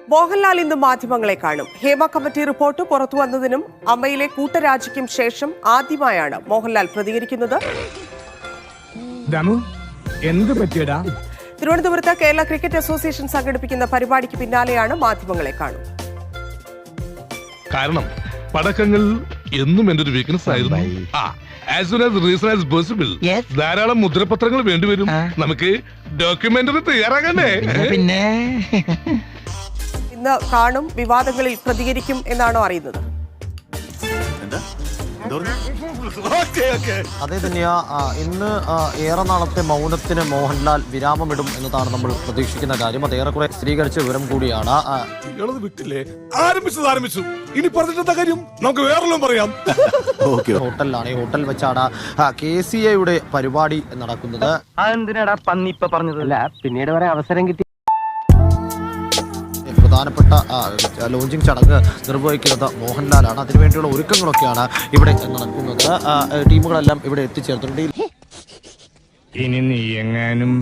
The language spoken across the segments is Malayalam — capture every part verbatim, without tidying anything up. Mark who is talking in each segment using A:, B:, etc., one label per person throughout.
A: മോഹൻലാൽ ഇന്ന് മാധ്യമങ്ങളെ കാണും. ഹേമ കമ്മിറ്റി റിപ്പോർട്ട് പുറത്തു വന്നതിനും അമ്മയിലെ കൂട്ടരാജിക്കും ശേഷം ആദ്യമായാണ് മോഹൻലാൽ പ്രതികരിക്കുന്നത്. തിരുവനന്തപുരത്ത് കേരള ക്രിക്കറ്റ് അസോസിയേഷൻ സംഘടിപ്പിക്കുന്ന പരിപാടിക്ക് പിന്നാലെയാണ് മാധ്യമങ്ങളെ കാണും.
B: കാരണം പടക്കങ്ങൾ എന്നും എന്റെ ഒരു വീക്ക്നെസ് ആയിരുന്നു. As soon as reason as possible. ധാരാളം മുദ്രപത്രങ്ങൾ വേണ്ടിവരും. നമുക്ക് ഡോക്യുമെന്ററി തയ്യാറാകണ്ടേ?
C: പിന്നെ
A: ഇന്ന് കാണും, വിവാദങ്ങളിൽ പ്രതികരിക്കും എന്നാണോ അറിയുന്നത്?
D: അതേ തന്നെയാ. ഇന്ന് ഏറെ നാളത്തെ മൗനത്തിന് മോഹൻലാൽ വിരാമമിടും എന്നതാണ് നമ്മൾ പ്രതീക്ഷിക്കുന്ന കാര്യം. അത് ഏറെക്കുറെ സ്ഥിരീകരിച്ച വിവരം കൂടിയാണ്.
B: വിട്ടില്ലേ ആരംഭിച്ചത് ആരംഭിച്ചു ഇനി പറഞ്ഞിട്ടെന്താ കാര്യം, നമുക്ക് വേറെല്ലാം പറയാം.
D: ഹോട്ടലിലാണ്, ഈ ഹോട്ടൽ വെച്ചാണ് കെ സി എയുടെ പരിപാടി നടക്കുന്നത്.
C: അതെന്തിനാടാ പന്നി ഇപ്പൊ പറഞ്ഞതല്ല, പിന്നീട് വരെ അവസരം കിട്ടി.
D: പ്രധാനപ്പെട്ട ലോഞ്ചിങ് ചടങ്ങ് നിർവഹിക്കുന്നത് മോഹൻലാലാണ്. അതിനുവേണ്ടിയുള്ള ഒരുക്കങ്ങളൊക്കെയാണ് ഇവിടെ നടക്കുന്നത്. ടീമുകളെല്ലാം ഇവിടെ എത്തിച്ചേർത്തിട്ടുണ്ട്.
B: ഇനി നീ എങ്ങാനും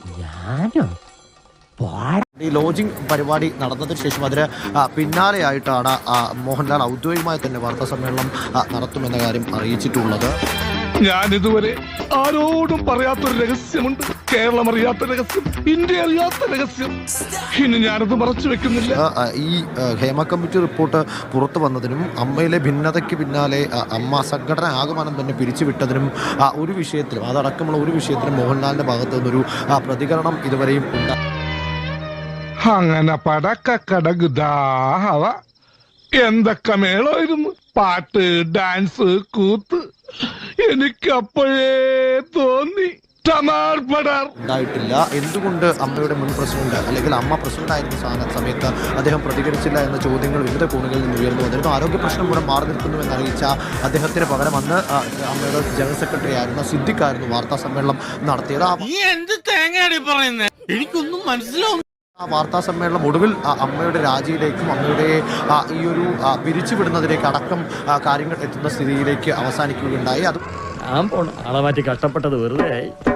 D: ഈ ലോഞ്ചിങ് പരിപാടി നടന്നതിന് ശേഷം അതിന് പിന്നാലെയായിട്ടാണ് മോഹൻലാൽ ഔദ്യോഗികമായി തന്നെ വാർത്താ സമ്മേളനം നടത്തുമെന്ന കാര്യം അറിയിച്ചിട്ടുള്ളത്.
B: ഞാൻ ഇതുവരെ ആരോടും പറയാത്തൊരു രഹസ്യമുണ്ട്. കേരളം അറിയാത്ത രഹസ്യം, ഇന്ത്യ അറിയാത്ത രഹസ്യം. ഇനി ഞാനത് മറച്ചു വെക്കുന്നില്ല.
D: ഈ ഹേമ കമ്മിറ്റി റിപ്പോർട്ട് പുറത്തു വന്നതിനും അമ്മയിലെ ഭിന്നതയ്ക്ക് പിന്നാലെ അമ്മ സംഘടന ആകമാനം തന്നെ പിരിച്ചുവിട്ടതിനും ഒരു വിഷയത്തിലും അതടക്കമുള്ള ഒരു വിഷയത്തിലും മോഹൻലാലിന്റെ ഭാഗത്തു നിന്നൊരു പ്രതികരണം ഇതുവരെയും ഉണ്ടായി.
B: അങ്ങനെ പടക്കടകുദാഹവ എന്തൊക്കെ മേളായിരുന്നു. പാട്ട്, ഡാൻസ്, കൂത്ത്. എനിക്കപ്പോഴേ തോന്നി
D: ഉണ്ടായിട്ടില്ല. എന്തുകൊണ്ട് അമ്മയുടെ മുൻ പ്രസിഡന്റ് അല്ലെങ്കിൽ അമ്മ പ്രസിഡന്റ് ആയിരുന്ന സമയത്ത് അദ്ദേഹം പ്രതികരിച്ചില്ല എന്ന ചോദ്യങ്ങൾ വിവിധ കോണുകളിൽ നിന്ന് ഉയർന്നു വന്നിരുന്നു. ആരോഗ്യ പ്രശ്നം മൂലം മാറി നിൽക്കുന്നുവെന്ന് അറിയിച്ച അദ്ദേഹത്തിന് പകരം അന്ന് അമ്മയുടെ ജനറൽ സെക്രട്ടറി ആയിരുന്ന സിദ്ദിഖായിരുന്നു വാർത്താ സമ്മേളനം നടത്തിയത്.
E: എനിക്കൊന്നും മനസ്സിലാവും.
D: ആ വാർത്താ സമ്മേളനം ഒടുവിൽ അമ്മയുടെ രാജിയിലേക്കും അമ്മയുടെ ഈ ഒരു പിരിച്ചുവിടുന്നതിലേക്ക് അടക്കം കാര്യങ്ങൾ എത്തുന്ന സ്ഥിതിയിലേക്ക് അവസാനിക്കുകയുണ്ടായി. അത്
F: ആളെ മാറ്റി കഷ്ടപ്പെട്ടത് വെറുതെ.